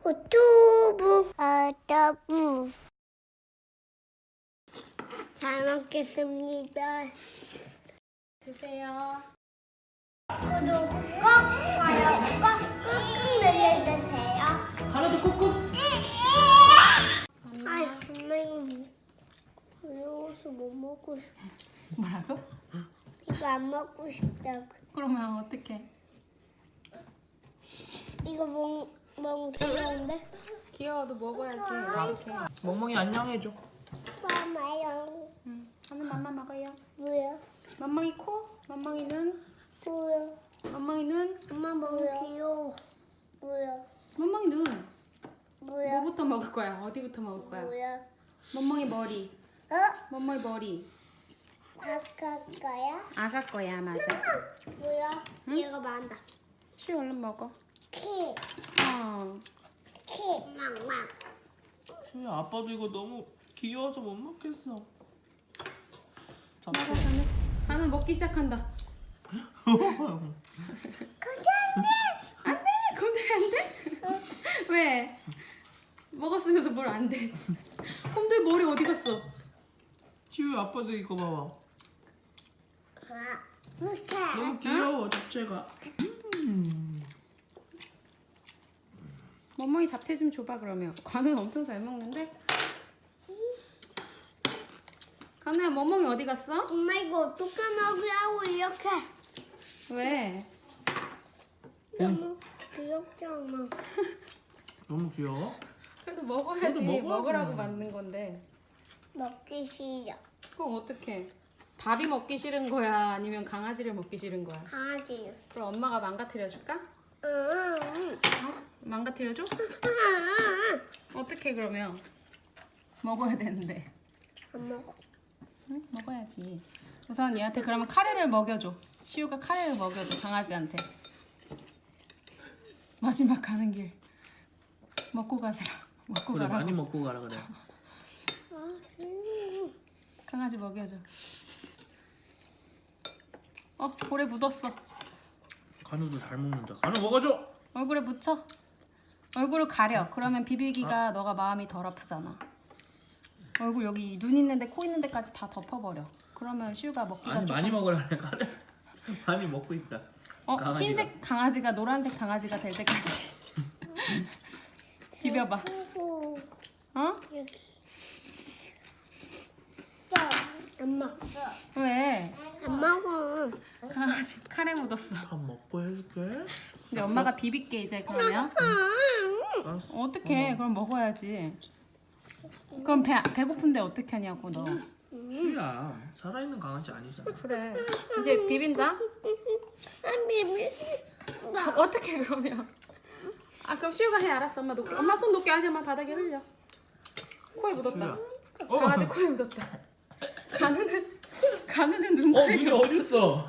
어뚜부 어뚜부 잘 먹겠습니다. 드세요. 구독 꼭 좋아요 꼭 눌러주세요. 하나도 꾹꾹. 아 정말 어려워서 못 먹고 싶어. 뭐라고? 이거 안 먹고 싶다고. 그러면 어떡해? 이거 너무 귀여운데? 귀여워도 먹어야지. 어떡해? 멍멍이 안녕해줘. 마마요. 응. 하는 맘마 먹어요. 뭐야? 맘망이 코, 맘망이 눈, 뭐야? 맘망이 눈, 엄마 너무 귀여워. 뭐야? 맘망이 눈. 뭐야? 뭐부터 먹을 거야? 어디부터 먹을 거야? 뭐야? 멍멍이 머리. 어? 멍멍이 머리. 바꿀 거야? 아가 거야, 맞아. 뭐야? 얘가 많다. 슈 얼른 먹어. 키, 어. 키, 망망. 수야 아빠도 이거 너무 귀여워서 못 먹겠어. 먹어, 가는. 가는 먹기 시작한다. 안 돼! 곰돌이 안 돼? 왜? 먹었으면서 뭘 안 돼? 곰돌이 머리 어디 갔어? 시우야 아빠도 이거 봐봐. 무채. 너무 귀여워 잡채가. 멍멍이 잡채 좀 줘봐 그러면. 관우는 엄청 잘 먹는데? 관우야 멍멍이 어디 갔어? 엄마 이거 어떻게 먹으라고 이렇게? 왜? 너무 귀엽잖아. 너무 귀여워. 그래도 먹어야지. 그래도 먹어야지. 먹으라고 만든 건데. 먹기 싫어. 그럼 어떡해? 밥이 먹기 싫은 거야? 아니면 강아지를 먹기 싫은 거야? 강아지. 그럼 엄마가 망가뜨려 줄까? 응. 망가뜨려 줘? 어떡해 그러면? 먹어야 되는데. 안 먹어. 응? 먹어야지. 우선 얘한테 그러면 카레를 먹여줘. 시우가 카레를 먹여줘 강아지한테. 마지막 가는 길 먹고 가세요. 먹고 그래 가라고. 많이 먹고 가라 그래. 강아지 먹여줘. 볼에 묻었어. 간우도 잘 먹는다. 간우 먹어줘. 얼굴에 묻혀. 얼굴을 가려. 그러면 비비기가 너가 마음이 덜 아프잖아. 얼굴 여기 눈 있는데 코 있는 데까지 다 덮어버려. 그러면 시우가 먹기가 아니 조금... 많이 먹으라 그래. 카레 많이 먹고 있다. 강아지가. 흰색 강아지가 노란색 강아지가 될 때까지 비벼봐. 오, 어? 여기. 안 먹어. 왜? 안 먹어. 강아지 카레 묻었어. 밥 먹고 해줄게. 이제 엄마가 비빌게 이제 그러면. 알았어. 어떡해? 그럼 먹어야지. 그럼 배고픈데 어떻게 하냐고 너. 수야 살아있는 강아지 아니잖아. 그래. 이제 비빈다. 안 비비. 어떻게 그러면? 그럼 시우가 해. 알았어. 엄마 놓게. 엄마 손 놓게 하지. 엄마 바닥에 흘려. 코에 묻었다. 수야. 강아지 코에 묻었다. 가누는 눈코입이 눈이 어딨어?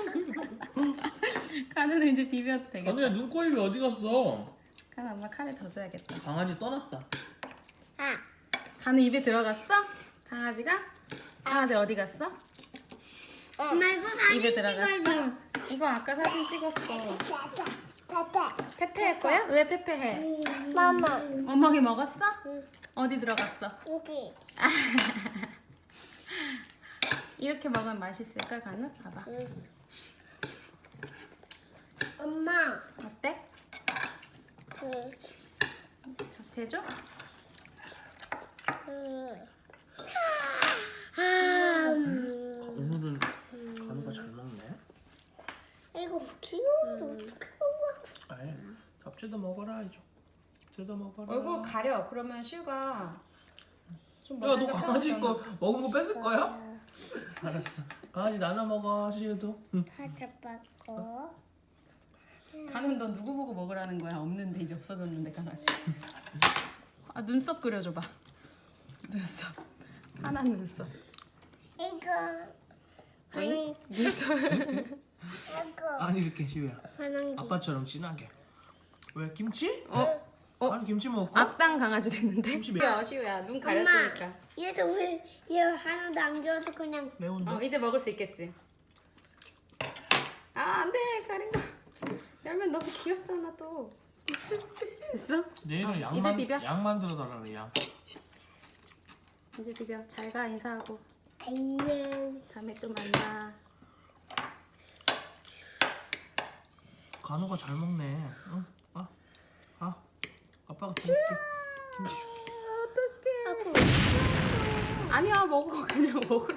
가누는 이제 비벼도 되겠다. 간우야 눈코입이 어디 갔어? 가누 엄마 카레 더 줘야겠다. 강아지 떠났다. 가누 입에 들어갔어? 강아지가? 강아지 어디 갔어? 엄마 이거 사진 입에 들어갔어? 찍어줘. 이거 아까 사진 찍었어. 파파. 페페 할 거야? 왜 페페 해? 마마. 멍멍이 먹었어? 어디 들어갔어? 여기. 이렇게 먹으면 맛있을까 가누? 봐봐. 엄마. 어때? 응. 잡채 줘? 오늘은 간우가 잘 먹네. 이거 귀여운데 어떻게 먹어? 아이 잡채도 먹어라 이제. 잡채도 먹어라. 얼굴 가려. 그러면 시우가 좀 야, 너 먹으니까 강아지 편하잖아. 거 먹은 거 뺏을 거야? 알았어. 강아지 나눠 먹어, 시우도. 응. 가져봤고. 가는 너 누구 보고 먹으라는 거야? 없는데 이제 없어졌는데 강아지. 눈썹 그려줘봐. 눈썹. 하나 눈썹. 이거. 응? 눈썹. 이거. 아니 이렇게 시우야. 화난기. 아빠처럼 진하게. 왜 김치? 어? 아니 김치 먹고? 악당 강아지 됐는데? 김치 매- 시우야 시우야 눈 가렸으니까. 얘도 왜얘 하나도 안 귀여워서 그냥. 매운데? 이제 먹을 수 있겠지. 안돼 가린 거. 열면 너무 귀엽잖아 또. 됐어? 내일은 이제 양만 비벼? 양 만들어 달라 그래 양. 이제 비벼. 잘 가 인사하고. 안녕. 다음에 또 만나. 간호가 잘 먹네. 응? 아빠가 김치 줄게. 김치 줄게. 아고. 아니야 먹어. 그냥 먹으라.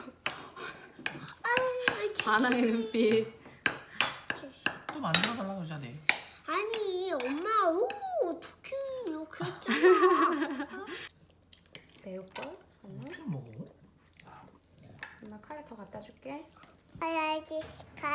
반항의 눈빛. 또 만들어 달라고 하자 내일. 아니 엄마 어떻게 이렇게 했잖아. 매울걸? 어떻게 먹어? 엄마 카레 더 갖다 줄게. 아야지 가.